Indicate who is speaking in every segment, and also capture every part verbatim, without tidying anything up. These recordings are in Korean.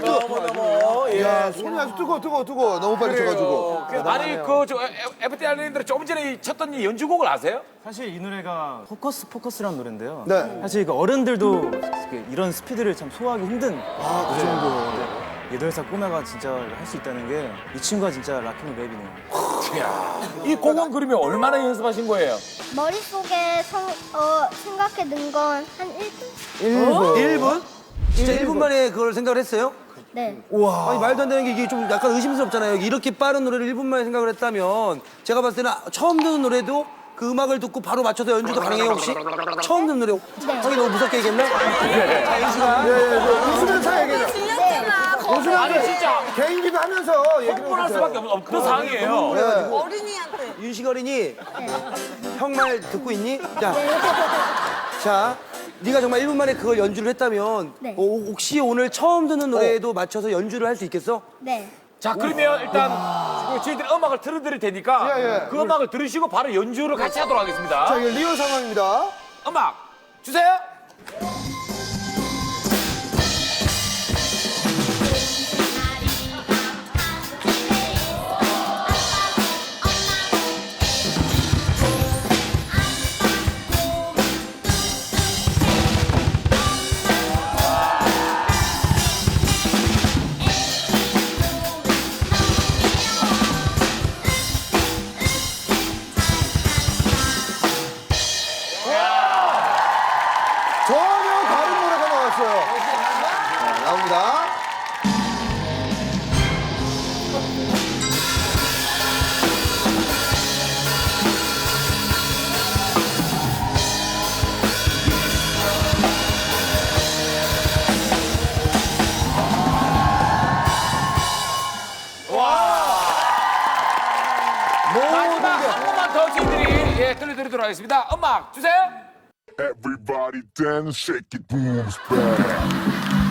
Speaker 1: 뜨거.
Speaker 2: 너무 너무 예.
Speaker 1: 야, 손이 아주 뜨거, 뜨거, 뜨거. 너무 빨리 쳐가지고.
Speaker 2: 아니 그저 에프티 알린들 조금 전에 쳤던 이 연주곡을 아세요?
Speaker 3: 사실 이 노래가 포커스 포커스라는 노래인데요.
Speaker 1: 네.
Speaker 3: 사실 그 어른들도 이런 스피드를 참 소화하기 힘든
Speaker 1: 아, 그 정도.
Speaker 3: 여덟 살 꼬마가 진짜 할 수 있다는 게 이 친구가 진짜 락앤랩이네요.
Speaker 2: 이야, 이 곡은 그러면 얼마나 연습하신 거예요?
Speaker 4: 머릿속에 성, 어, 생각해 둔 건 한 일 분?
Speaker 1: 일 분.
Speaker 5: 일 분? 진짜 일 분 만에 그걸 생각을 했어요?
Speaker 4: 네.
Speaker 1: 우와.
Speaker 5: 아니 말도 안 되는 게 이게 좀 약간 의심스럽잖아요. 이렇게 빠른 노래를 일 분 만에 생각을 했다면 제가 봤을 때는 처음 듣는 노래도 그 음악을 듣고 바로 맞춰서 연주도 가능해요 혹시? 처음 듣는 노래 형이 너무 무섭게 얘기했나? 자, 이 시간
Speaker 1: 예, 예, 그 웃으면서 얘기해요.
Speaker 6: 들렸잖아.
Speaker 2: 아니 진짜
Speaker 1: 개인기도 하면서 얘기를
Speaker 2: 흥분할 수밖에 없- 없는 상황이에요.
Speaker 1: 네.
Speaker 6: 어린이한테.
Speaker 5: 윤식 어린이 형 말 듣고 있니? 자, 자, 네가 정말 일 분 만에 그걸 연주를 했다면
Speaker 4: 네.
Speaker 5: 어, 혹시 오늘 처음 듣는 노래에도 맞춰서 연주를 할 수 있겠어?
Speaker 4: 네.
Speaker 2: 자 그러면 일단 그 저희들이 음악을 틀어드릴 테니까
Speaker 1: 예, 예.
Speaker 2: 그 음악을 들으시고 바로 연주를 같이 하도록 하겠습니다.
Speaker 1: 자, 이게 리얼 상황입니다.
Speaker 2: 음악 주세요.
Speaker 1: 전혀 다른 노래가 나왔어요. 자, 나옵니다.
Speaker 2: 마지막 한 번만 더 저희들이 예, 들려드리도록 하겠습니다. 음악 주세요.
Speaker 7: Everybody dance, shake it, booms back.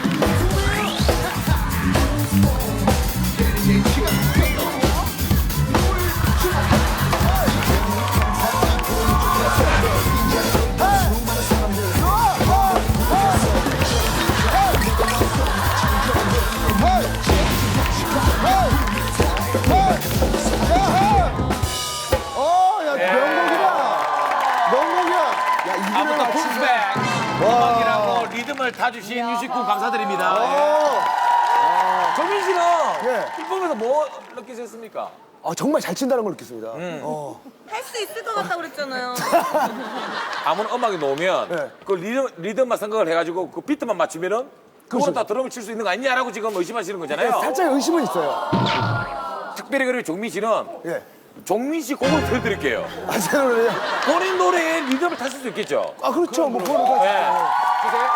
Speaker 1: 어, 야, 명곡이다. 명곡이야. 야, 이 노래
Speaker 2: 아무튼 붐스백 음악이라고 리듬을 타주신 유식군 감사드립니다. 예. 정민 씨는
Speaker 1: 예.
Speaker 2: 이 부분에서 뭐 느끼셨습니까?
Speaker 1: 아, 정말 잘 친다는 걸 느꼈습니다.
Speaker 6: 할 수 있을 것 같다고 그랬잖아요.
Speaker 2: 아무나 음악이 나오면
Speaker 1: 네.
Speaker 2: 그 리듬, 리듬만 생각을 해가지고 그 비트만 맞추면은 그건 다 드럼을 칠 수 있는 거 아니냐라고 지금 의심하시는 거잖아요.
Speaker 1: 살짝 의심은 있어요.
Speaker 2: 특별히 그리고 종민 씨는
Speaker 1: 예.
Speaker 2: 종민 씨 곡을 들려드릴게요.
Speaker 1: 아, 제 노래요?
Speaker 2: 본인 노래에 리듬을 타실 수 있겠죠?
Speaker 1: 아, 그렇죠. 뭐, 그거는 다.
Speaker 2: 네. 주세요.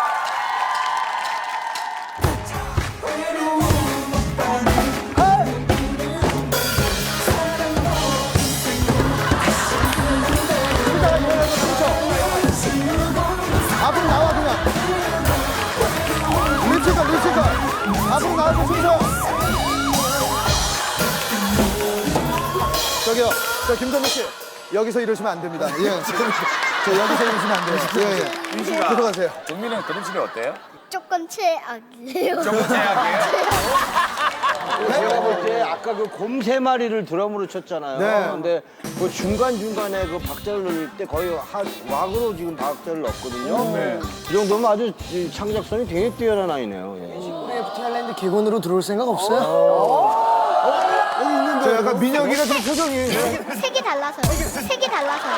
Speaker 1: 앞으로 나와, 그냥. 립싱가, 립싱가. 앞으로 나와서 순서. 저기요, 저 김정민 씨. 여기서 이러시면 안 됩니다. 예. 저 여기서 이러시면 안 돼요. 예, 예.
Speaker 2: 윤 씨가
Speaker 1: 들어가세요.
Speaker 2: 종민은 드럼 치는 어때요?
Speaker 4: 조금 최악이에요.
Speaker 2: 조금 제약이에요.
Speaker 8: 제가 볼 때 아까 그 곰 세 마리를 드럼으로 쳤잖아요.
Speaker 1: 네.
Speaker 8: 근데 그 중간중간에 그 박자를 넣을 때 거의 한 왁으로 지금 박자를 넣었거든요.
Speaker 2: 네.
Speaker 8: 이 정도면 아주 이 창작성이 되게 뛰어난 아이네요. 예.
Speaker 5: 에프티 아일랜드 객원으로 들어올 생각 없어요?
Speaker 1: 저 약간 민혁이가 좀 표정이.
Speaker 4: 색이 달라서요. 색이 달라서요.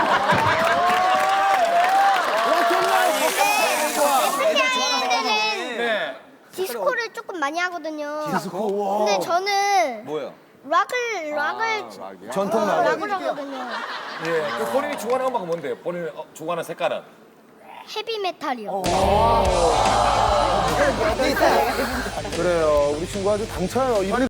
Speaker 4: 에프티 아일랜드는
Speaker 2: 네.
Speaker 4: 디스코를 조금 많이 하거든요. 디스코? 근데 저는
Speaker 8: 뭐야?
Speaker 4: 락을, 락을,
Speaker 1: 전통 락.
Speaker 4: 락을 하거든요.
Speaker 2: 예. 그 본인이 좋아하는 음악은 뭔데요? 본인이 어, 좋아하는 색깔은?
Speaker 4: 헤비메탈이요.
Speaker 1: 그래요. 우리 친구 아주 당차요.